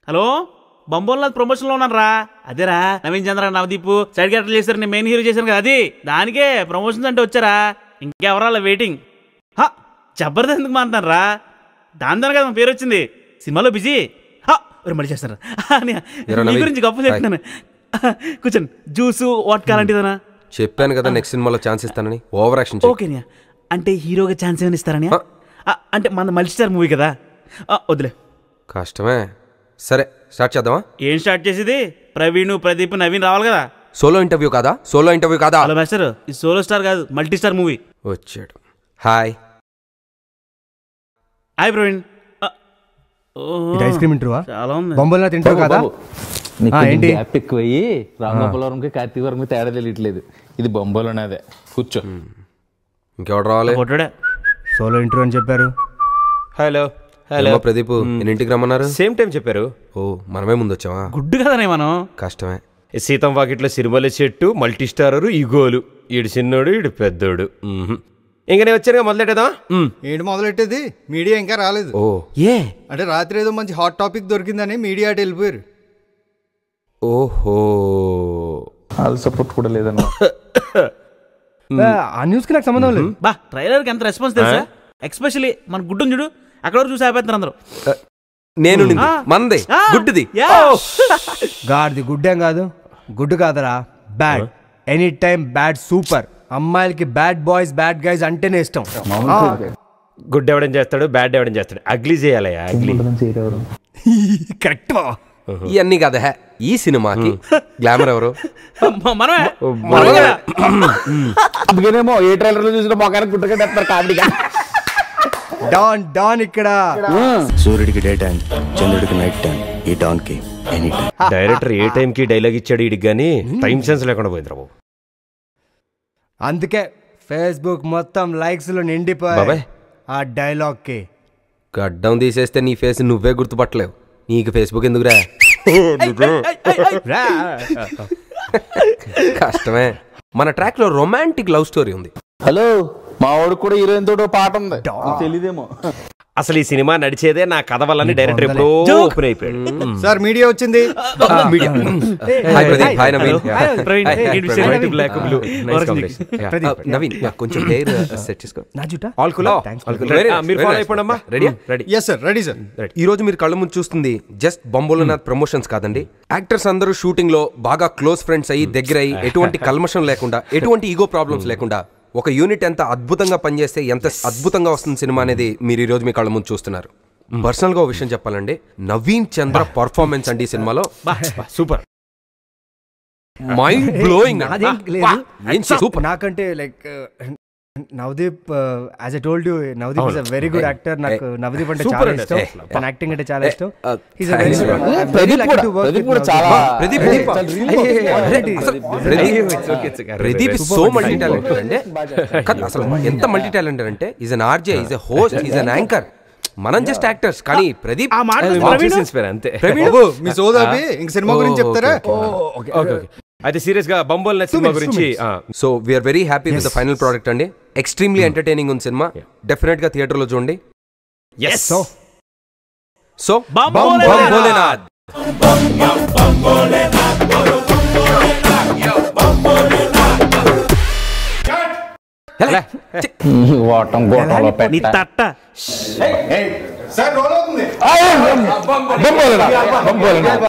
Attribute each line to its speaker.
Speaker 1: Hello బంబోల్ ప్రమోషన్లో ఉన్నాను రా. అదేరా నవీన్ చంద్ర నవదీప్ సైడ్ క్యారెక్టర్ చేశారు, నేను మెయిన్ హీరో చేశాను కదా, అది దానికే ప్రమోషన్స్ అంటే వచ్చారా. ఇంకెవరాల వెయిటింగ్. జబర్దస్త్ ఎందుకు మారుతాను రా, దాని కదా పేరు వచ్చింది. సినిమాలో బిజీ. మళ్ళీ చేస్తారా నీ గురించి గొప్ప చెప్తున్నాను. కూర్చోండి. జ్యూసు వాట్ కాలంటిదనా
Speaker 2: చెప్పాను కదా నెక్స్ట్ సినిమాలో ఛాన్స్ ఇస్తానని. Over action.
Speaker 1: ఓకేనా, అంటే హీరోగా ఛాన్స్ ఏమైనా ఇస్తారని? అంటే మన మల్టీస్టార్ మూవీ కదా, వదిలే.
Speaker 2: కష్టమే. సరే స్టార్ట్ చేద్దామా?
Speaker 1: ఏం స్టార్ట్ చేసేది? ప్రవీణ్, ప్రదీప్, నవీన్ రావాలి కదా.
Speaker 2: సోలో ఇంటర్వ్యూ కాదా? సోలో ఇంటర్వ్యూ కాదా?
Speaker 1: హలో మాస్టర్, ఇది సోలో స్టార్ కాదు, మల్టీ స్టార్ మూవీ.
Speaker 2: వచ్చాడు. Hi
Speaker 1: hi Praveen.
Speaker 3: Ice cream interview
Speaker 1: చాలా ఉంది.
Speaker 3: బొమ్మలా తింటావు కదా?
Speaker 4: ఏంటి గ్యాప్ ఎక్కువయ్యి రామగోపాలవరంకి కార్తీకవరంకి తేడా తెలియట్లేదు. ఇది బొంబాలోనేదే. కూర్చో.
Speaker 2: ఇంకెవడు రావాలి?
Speaker 3: సోలో ఇంటర్వ్యూ అని చెప్పారు.
Speaker 5: హలో హలో
Speaker 2: ప్రదీప్, ఎన్నింటికి రమ్మన్నారు?
Speaker 5: సేమ్ టైం చెప్పారు.
Speaker 2: ఓ మనమే ముందు వచ్చావా?
Speaker 1: గుడ్డు కదనే మనం.
Speaker 2: కష్టమే.
Speaker 5: సీతం వాకిట్లో సిరిమల్లె చెట్టు, మల్టీ స్టారరు, ఈగోలు. ఈడు చిన్నోడు, ఈడు పెద్దోడు. ఇంక నేను వచ్చాను మొదలెట్టేదా?
Speaker 6: ఏంటి మొదలెట్టేది? మీడియా ఇంకా రాలేదు.
Speaker 2: ఓ ఏ
Speaker 6: అంటే రాత్రి ఏదో మంచి హాట్ టాపిక్ దొరికిందని మీడియా అటు వెళ్ళిపోయారు.
Speaker 2: ఓహో,
Speaker 4: వాళ్ళ సపోర్ట్ కూడా లేదన్నా.
Speaker 3: ఆ న్యూస్ కి నాకు సంబంధం లేదు.
Speaker 1: బా ట్రైలర్కి ఎంత రెస్పాన్స్ తెలుసా? ఎక్స్పెషల్లీ మన గుడ్డుని చూడు, అక్కడ వరకు చూసి ఆపేస్తున్నారు అందరూ.
Speaker 2: నేను మందే గుడ్డుది.
Speaker 3: గాడిది గుడ్డేం కాదు, గుడ్డు కాదరా, bad. Any time bad. Super. అమ్మాయిలకి బ్యాడ్ బాయ్స్ బ్యాడ్ గైస్ అంటేనే ఇష్టం.
Speaker 5: గుడ్ ఎవడం చేస్తాడు, బ్యాడ్ ఎవడం చేస్తాడు. అగ్లీ చేయాలయ్యా, అగ్లీ.
Speaker 3: కరెక్ట్.
Speaker 2: ఇవన్నీ కదా ఈ సినిమాకి గ్లామర్ ఎవరు?
Speaker 4: అందుకేనేమో ఏ ట్రైలర్ లో చూసిన మొగానికి గుట్టగట్టేస్తారు కామెడీగా.
Speaker 3: డాన్ డాన్ ఇక్కడ.
Speaker 7: సూర్యుడికి డే టైం, చంద్రుడికి నైట్ టైం, ఈ డాన్ కి ఎనీ టైం.
Speaker 5: డైరెక్టర్ ఏ టైం కి డైలాగ్ ఇచ్చాడు ఇడికి గానీ టైం సెన్స్ లేకుండా పోయింది రావు.
Speaker 3: అందుకే ఫేస్బుక్ మొత్తం లైక్స్ లో నిండిపోయాయి ఆ డైలాగ్ కి.
Speaker 2: గడ్డం తీసేస్తే నీ ఫేస్ నువ్వే గుర్తుపట్టలేవు, నీకు ఫేస్బుక్ ఎందుకురా? కష్టమే. మన ట్రాక్ లో రొమాంటిక్ లవ్ స్టోరీ ఉంది.
Speaker 4: హలో, మా వాడికి కూడా హీరోయిన్ తోటి పాట ఉంది, తెలీదేమో.
Speaker 5: అసలు ఈ సినిమా నడిచేదే నా కథ వల్లని డైరెక్టర్ ఎప్పుడో ఓపెన్ అయిపోయాడు.
Speaker 6: సార్ మీడియా వచ్చింది.
Speaker 2: నవీన్ కొంచెం హెయిర్ సెట్ చేసుకో. ఈ రోజు మీరు కళ్ళ ముందు చూస్తుంది జస్ట్ బంబోలనాథ్ ప్రమోషన్స్ కాదండి. యాక్టర్స్ అందరూ షూటింగ్ లో బాగా క్లోజ్ ఫ్రెండ్స్ అయ్యి దగ్గర అయ్యి ఎటువంటి కల్మషం లేకుండా ఎటువంటి ఈగో ప్రాబ్లమ్స్ లేకుండా ఒక యూనిట్ ఎంత అద్భుతంగా పనిచేస్తే ఎంత అద్భుతంగా వస్తుంది సినిమా అనేది మీరు ఈ రోజు మీ కళ్ళ ముందు చూస్తున్నారు. పర్సనల్ గా ఒక విషయం చెప్పాలండి, నవీన్ చంద్ర పర్ఫార్మెన్స్ అండి ఈ సినిమాలో సూపర్, మైండ్ బ్లోయింగ్.
Speaker 3: నాకంటే like Navdeep, as I told you, Navdeep is a very good actor. నాకు నవదీప్ అంటే చాలా ఇష్టం, తన యాక్టింగ్ అంటే చాలా ఇష్టం.
Speaker 2: Pradeep is so multi talented అండి. అసలు ఎంత మల్టీ టాలెంటెడ్ అంటే is an RJ, is a host, is an anchor. మనం జస్ట్ యాక్టర్స్, కానీ ప్రదీప్
Speaker 5: అంతే.
Speaker 6: మీ సోదాబి ఇంక సినిమా గురించి చెప్తారా?
Speaker 5: అయితే సీరియస్ గా బంబోల్ సినిమా గురించి.
Speaker 2: So we are very happy with the final product అండి. ఎక్స్ట్రీమ్లీ ఎంటర్టైనింగ్ ఉంది సినిమా. డెఫినెట్ గా థియేటర్ లో చూడండి. సో బంబోలేనాథ్.
Speaker 4: వాటం గోటంలో
Speaker 6: సార్ రోల్ అవుతుంది.